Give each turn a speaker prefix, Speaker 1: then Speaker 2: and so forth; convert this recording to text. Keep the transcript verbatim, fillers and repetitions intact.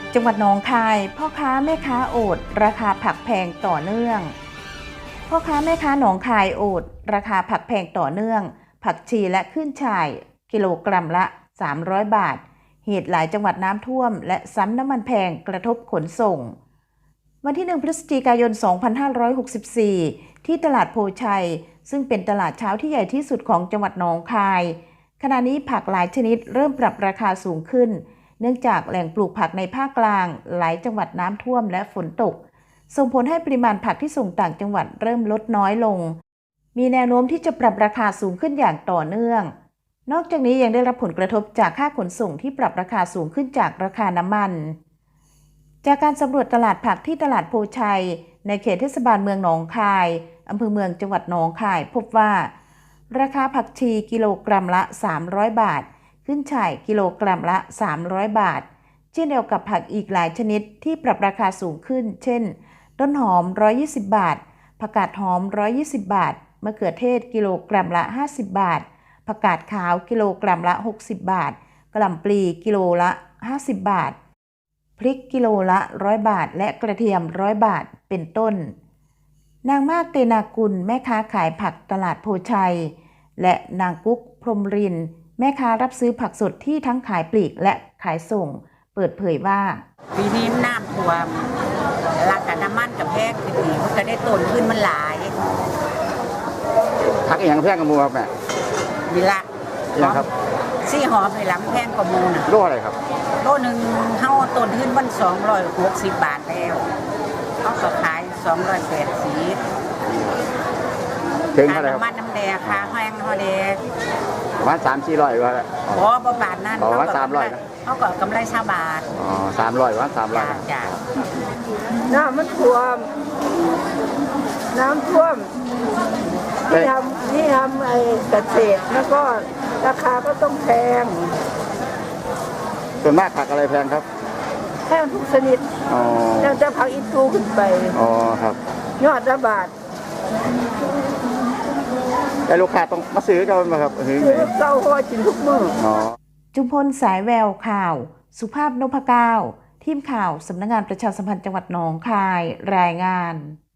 Speaker 1: จังหวัดหนองคายพ่อค้าแม่ค้าโอดราคาผักแพงต่อเนื่องพ่อค้าแม่ค้าหนองคายโอดราคาผักแพงต่อเนื่องผักชีและขึ้นช่ายกิโลกรัมละสามร้อยบาทเหตุหลายจังหวัดน้ำท่วมและซ้ำน้ำมันแพงกระทบขนส่งวันที่หนึ่งพฤศจิกายนสองพันห้าร้อยหกสิบสี่ที่ตลาดโพชัยซึ่งเป็นตลาดเช้าที่ใหญ่ที่สุดของจังหวัดหนองคายขณะนี้ผักหลายชนิดเริ่มปรับราคาสูงขึ้นเนื่องจากแหล่งปลูกผักในภาคกลางหลายจังหวัดน้ำท่วมและฝนตกส่งผลให้ปริมาณผักที่ส่งต่างจังหวัดเริ่มลดน้อยลงมีแนวโน้มที่จะปรับราคาสูงขึ้นอย่างต่อเนื่องนอกจากนี้ยังได้รับผลกระทบจากค่าขนส่งที่ปรับราคาสูงขึ้นจากราคาน้ำมันจากการสำรวจตลาดผักที่ตลาดโพชัยในเขตเทศบาลเมืองหนองคายอำเภอเมืองจังหวัดหนองคายพบว่าราคาผักชีกิโลกรัมละสามร้อยบาทขึ้นช่ายกิโลกรัมละสามร้อยบาทเช่นเดียวกับผักอีกหลายชนิดที่ปรับราคาสูงขึ้นเช่นต้นหอมหนึ่งร้อยยี่สิบบาทผักกาดหอมหนึ่งร้อยยี่สิบบาทมะเขือเทศกิโลกรัมละห้าสิบบาทผักกาดขาวกิโลกรัมละหกสิบบาทกะหล่ำปลีกิโลละห้าสิบบาทพริกกิโลละหนึ่งร้อยบาทและกระเทียมหนึ่งร้อยบาทเป็นต้นนางมากเตนากุลแม่ค้าขายผักตลาดโพชัยและนางกุ๊กพรหมรินทร์แม่ค้ารับซื้อผักสดที่ทั้งขายปลีกและขายส่งเปิดเผยว่า
Speaker 2: ปีนี้น้ำท่วมราคาน้ำมันกับแพงขึ้นอีกมันก็ได้ต้นขึ้นมันหลาย
Speaker 3: ผักอย่างแพงกับมูครับแม่
Speaker 2: นี่ละ
Speaker 3: อย่างครับ
Speaker 2: ซี่หอมในหลังแพงกว่ามูนะ
Speaker 3: โลอะไรครับ
Speaker 2: โลหนึ่งเท่าต้นขึ้นมันสองร้อยหกสิบบาทแล้วเขาก็ขายสองร้อยแปดสิบ
Speaker 3: ถึงเท่าไหร่ครับ
Speaker 2: น้ำมันน้ำแดงค่ะแห้งเท่าแดง
Speaker 3: ประมาณสามสี่ร้อยว่า
Speaker 2: พอประมาณนั้น
Speaker 3: ประมาณสามร้อย
Speaker 2: เขาก็กำไรชาวบาท
Speaker 3: อ๋อสามร้อยว่าสามร้อย
Speaker 2: จ้า
Speaker 4: น้ำมันท่วมน้ำท่วมที่ทำที่ทำไอ้เกษตรแล้วก็ราคาก็ต้องแพง
Speaker 3: ส่วนมากผักอะไรแพงครับ
Speaker 4: แพงทุกชนิดแล้วจะผักอีตูขึ้นไป
Speaker 3: อ๋อครับ
Speaker 4: ยอดละบาท
Speaker 3: แต่ลูกค้าต้องมาซื้อกันไหมครับ
Speaker 4: ซื้อเก้าหัวกินทุกมื้อ
Speaker 1: จุมพลสายแววข่าวสุภาพนพเก้าทีมข่าวสำนักงานประชาสัมพันธ์จังหวัดหนองคายรายงาน